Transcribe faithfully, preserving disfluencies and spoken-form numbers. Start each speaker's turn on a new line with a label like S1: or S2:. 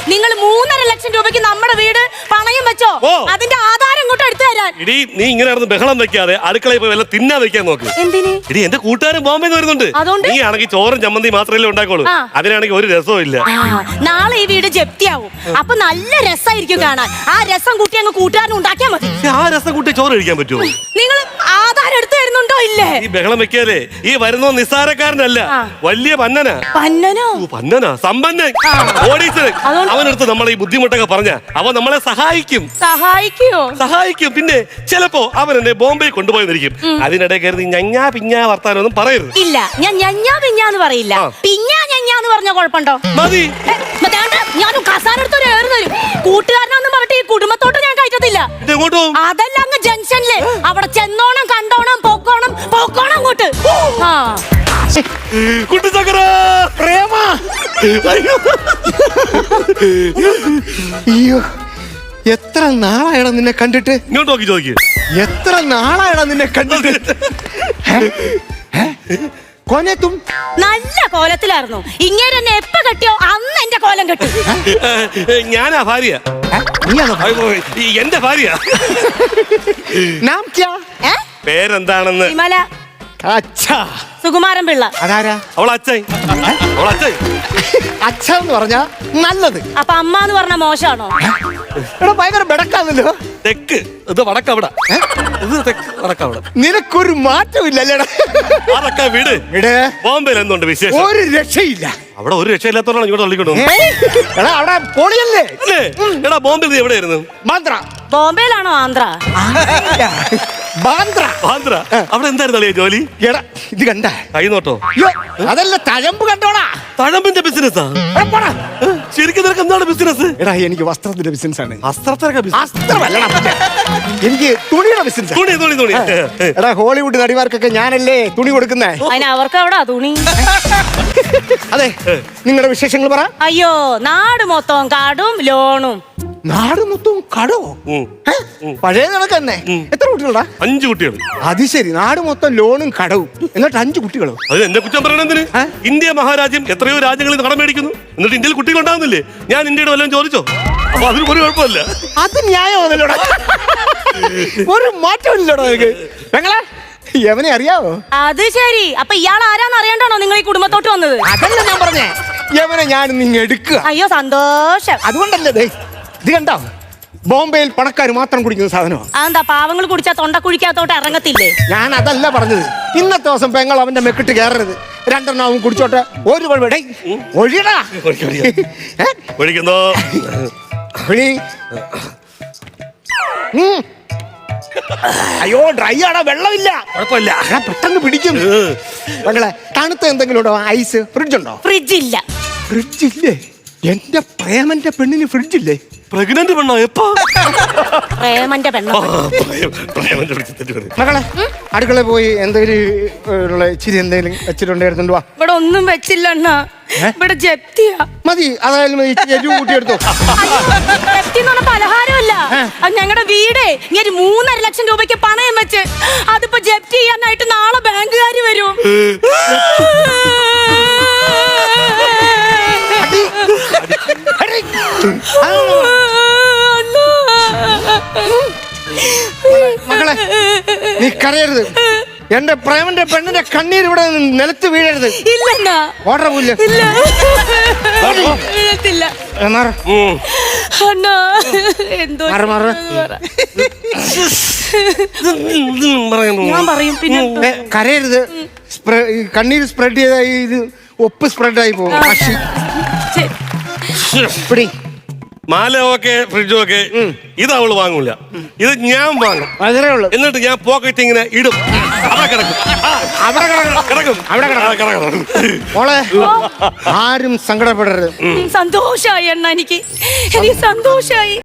S1: നിങ്ങൾ മൂന്നര ലക്ഷം രൂപയ്ക്ക് നമ്മുടെ വീട് പണയം വെച്ചോ? അതിന്റെ ആധാരം ഇങ്ങോട്ട് എടുത്തു തരാൻ.
S2: ഇടി നീ ഇങ്ങനെ ബഹളം വെക്കാതെ അടുക്കളയിൽ പോയി വല്ല തിന്നാ വെക്കാൻ നോക്ക്.
S1: എന്തിന്?
S2: ഇടി എന്റെ കൂട്ടുകാരൻ ബോംബെന്ന് വരുന്നുണ്ട്. നീ ആണെങ്കിൽ ചോറും ചമ്മന്തി മാത്രമല്ലേ ഉണ്ടാക്കോളൂ. അതിനാണെങ്കിൽ ഒരു രസവും ഇല്ല.
S1: നാളെ ഈ വീട് ജപ്തിയാവും. അപ്പൊ നല്ല രസമായിരിക്കും കാണാൻ. ആ രസം കൂട്ടി അങ്ങ് കൂട്ടുകാരൻ ഉണ്ടാക്കിയാൽ മതി.
S2: ആ രസം കൂട്ടി ചോറ് കഴിക്കാൻ പറ്റുമോ?
S1: നിങ്ങൾ ആധാരം എടുത്തു തരുന്നുണ്ടോ? ഇല്ലേ?
S2: ഈ ബഹളം വെക്കാതെ ഈ വരുന്ന നിസ്സാരക്കാരനല്ല, വലിയ പന്നനാ.
S1: പന്നനോ?
S2: പന്നനാ, സമ്പന്നൻ, ഓഡീസർ. അവനടുത്ത് നമ്മൾ ഈ ബുദ്ധിമുട്ടൊക്കെ പറഞ്ഞ അവൻ നമ്മളെ സഹായിക്കും.
S1: സഹായിക്കോ?
S2: സഹായിക്കും. പിന്നെ ചിലപ്പോ അവൻ എന്നെ ബോംബെ കൊണ്ടുപോയിരിക്കും. അതിനിടെ കയറി ഞഞ്ഞാ പിഞ്ഞാ വർത്താനൊന്നും പറയരുത്.
S1: ഇല്ല, ഞാൻ ഞഞ്ഞാ പിഞ്ഞാന്ന് പറയില്ല. പിഞ്ഞാ ഞഞ്ഞാന്ന് പറഞ്ഞ കുഴപ്പമുണ്ടോ?
S2: മതി.
S1: ഞാനും കസാനെടുത്തൊരു ഏറ് തരും. കൂട്ടുകാരനാന്ന് പറഞ്ഞിട്ട് ഈ കുടുംബത്തോട്ട് ഞാൻ കയറ്റത്തില്ല. അതല്ല അങ്ങ് ജംഗ്ഷനില്. അവിടെ ചെന്നോണം, കണ്ടോണം, പോക്കോണം, പോക്കോണം അങ്ങോട്ട്.
S3: പ്രേമ, അയ്യോ എത്ര നാളായടാ നിന്നെ കണ്ടിട്ട്.
S2: ഇങ്ങോട്ട് നോക്കി ചോദിക്ക്.
S3: എത്ര നാളായടാ നിന്നെ കണ്ടിട്ട്. കോനത്തും
S1: നല്ല കോലത്തിലായിരുന്നു. ഇങ്ങനെ എന്നെ എപ്പ കെട്ടിയോ അന്ന് എന്റെ കോലം കെട്ടി.
S2: ഞാനാ ഭാര്യ. എന്റെ ഭാര്യ. പേരെന്താണെന്ന്?
S1: വിമല. സുകുമാരൻ പിള്ള.
S3: അതാരാ?
S2: അവളച്ഛൻ. അവളച്ഛൻ.
S3: അച്ഛൻ എന്ന് പറഞ്ഞാ നല്ലത്.
S1: അപ്പൊ അമ്മ എന്ന് പറഞ്ഞ മോശമാണോ?
S3: എടാ ഭയങ്കര ബെടക്കാന്നല്ലോ.
S2: തെക്ക് ഇത് വടക്കവിടെ. ഇത് തെക്ക് വടക്കവിടെ.
S3: നിനക്കൊരു മാറ്റമില്ലല്ലേടാ.
S2: അതൊക്കെ വീട്. ബോംബെയിൽ എന്തുണ്ട് വിശേഷം?
S3: ഒരു രക്ഷയില്ല.
S2: അവിടെ ഒരു രക്ഷയില്ലാത്തോണ്ടാണ് ഇങ്ങോട്ട് തള്ളിക്കൊണ്ടു.
S3: എടാ അവിടെ പൊളിയല്ലേ.
S2: എടാ ബോംബെയിൽ നീ എവിടെയായിരുന്നു?
S3: ബാന്ദ്ര.
S1: ബോംബെയിലാണോ? ആന്ധ്ര.
S3: ബാന്ദ്ര.
S2: ബാന്ദ്ര. അവിടെ എന്തായിരുന്നു ജോലി?
S3: എടാ ഇത് കണ്ട
S2: കൈ നോട്ടോ?
S3: അതല്ല തഴമ്പ് കണ്ടോടാ.
S2: തഴമ്പിന്റെ ബിസിനസ്സാ? ശരിക്കും നിനക്ക് എന്താണ് ബിസിനസ്?
S3: എടാ എനിക്ക് വസ്ത്രത്തിന്റെ ബിസിനസ് ആണ്.
S2: വസ്ത്രത്തിനൊക്കെ
S3: എനിക്ക് തുണിയുടെ ബിസിനസ്.
S2: തുണി തുണി തുണി.
S3: എടാ ഹോളിവുഡ് നടിമാർക്കൊക്കെ ഞാനല്ലേ തുണി കൊടുക്കുന്നേ.
S1: അതിന് അവർക്ക് എവിടാ തുണി?
S3: അതെ, നിങ്ങളുടെ വിശേഷങ്ങൾ പറ.
S1: അയ്യോ, നാട് മൊത്തം കാടും ലോണും.
S3: നാട് മൊത്തം കടോ? പഴയ കണക്ക് തന്നെ. എത്ര കുട്ടികളാ?
S2: അഞ്ചു കുട്ടികൾ.
S3: അത് ശരി, നാട് മൊത്തം ലോണും കടവും, എന്നിട്ട് അഞ്ചു കുട്ടികളോ?
S2: അത് എന്നെ കുറ്റം പറയണെന്തിന്? ഇന്ത്യ മഹാരാജ്യം എത്രയോ രാജ്യങ്ങളിൽ കടം മേടിക്കുന്നു, എന്നിട്ട് ഇന്ത്യയിൽ കുട്ടികൾ ഉണ്ടാകുന്നില്ലേ? ഞാൻ ഇന്ത്യയുടെ വല്ലതും ചോദിച്ചോ? അപ്പൊ അതിന് ഒരു കുഴപ്പമില്ല.
S3: അത് ന്യായമാണല്ലോടാ. ഒരു മാറ്റമില്ലല്ലോടാ നിനക്ക്. ഞങ്ങളെ യവനെ അറിയാവോ?
S1: അത് ശരി. അപ്പൊ ഇയാൾ ആരാന്ന് അറിയാണ്ടാണോ നിങ്ങൾ ഈ കുടുംബത്തോട്ട് വന്നത്?
S3: അതല്ല ഞാൻ പറഞ്ഞേ, യവനെ ഞാൻ നിങ്ങ എടുക്കുക.
S1: അയ്യോ സന്തോഷം.
S3: അതുകൊണ്ടല്ലേ ഇത് കണ്ടോ, ബോംബെയിൽ പണക്കാർ മാത്രം കുടിക്കുന്ന സാധനമാണ്.
S1: അതെന്താ പാവങ്ങൾ കുടിച്ചാൽ തൊണ്ട കുഴിക്കാത്തോട്ട് ഇറങ്ങത്തില്ലേ?
S3: ഞാൻ അതല്ല പറഞ്ഞത്. ഇന്നത്തെ ദിവസം പെങ്ങൾ അവന്റെ മെക്കിട്ട് കയറരുത്. രണ്ടെണ്ണം അവൻ കുടിച്ചോട്ടെ. ഒരു ഒഴിടാ
S2: ഒഴിക്കുന്നോ?
S3: അയ്യോ ഡ്രൈ ആടാ, വെള്ളമില്ല.
S2: കുഴപ്പമില്ല,
S3: പെട്ടെന്ന് പിടിക്കും. പെങ്ങളെ തണുത്ത എന്തെങ്കിലും ഉണ്ടോ? ഐസ്? ഫ്രിഡ്ജ് ഉണ്ടോ?
S1: ഫ്രിഡ്ജ് ഇല്ല.
S3: ഫ്രിഡ്ജ് ഇല്ലേ? എന്റെ പ്രേമന്റെ പെണ്ണിന് ഫ്രിഡ്ജ് ഇല്ലേ?
S2: പ്രഗ്നന്റ് പെണ്ണോ? എപ്പോ?
S1: പ്രേമന്റെ പെണ്ണോ?
S3: മകളെ അടുക്കള പോയി എന്തെങ്കിലും ഇച്ചിരി എന്തെങ്കിലും വെച്ചിട്ടുണ്ടായിരുന്നു.
S1: ഇവിടെ ഒന്നും വെച്ചില്ല അണ്ണാ. ഇവിടെ ജപ്തിയാ.
S3: മതി, അതായാലും കൂട്ടിയെടുത്തോ.
S1: ജപ്തി എന്ന് പറഞ്ഞ പലഹാരമല്ല, അത് ഞങ്ങളുടെ വീടേ. ഇങ്ങനെ മൂന്നര ലക്ഷം രൂപയ്ക്ക് പണയം വെച്ച് അതിപ്പോ ജപ്തി ചെയ്യാനായിട്ട് നാളെ ബാങ്കുകാര് വരും.
S3: മകളെ നീ കരയരുത്. എന്റെ പ്രേമന്റെ പെണ്ണിന്റെ കണ്ണീർ ഇവിടെ നിലത്ത് വീഴരുത്.
S1: ഇല്ല
S3: ഓർഡർ പോയില്ല.
S1: ഞാൻ പറയും പിന്നെ.
S3: കരയരുത്. കണ്ണീര് സ്പ്രെഡ് ചെയ്ത ഇത് ഒപ്പ് സ്പ്രെഡ് ആയി പോകും.
S2: മാല ഓക്കെ, ഫ്രിഡ്ജും ഒക്കെ ഇത് അവള് വാങ്ങൂല, ഇത് ഞാൻ വാങ്ങും.
S3: അതേ ഉള്ളു.
S2: എന്നിട്ട് ഞാൻ പോക്കറ്റ് ഇങ്ങനെ ഇടും. അവിടെ കിടക്കും, അവിടെ കിടക്കും, അവിടെ കിടക്കും.
S3: മോളെ ആരും സങ്കടപ്പെടരുത്.
S1: സന്തോഷായി അണ്ണ, എനിക്ക് എനിക്ക് സന്തോഷായി.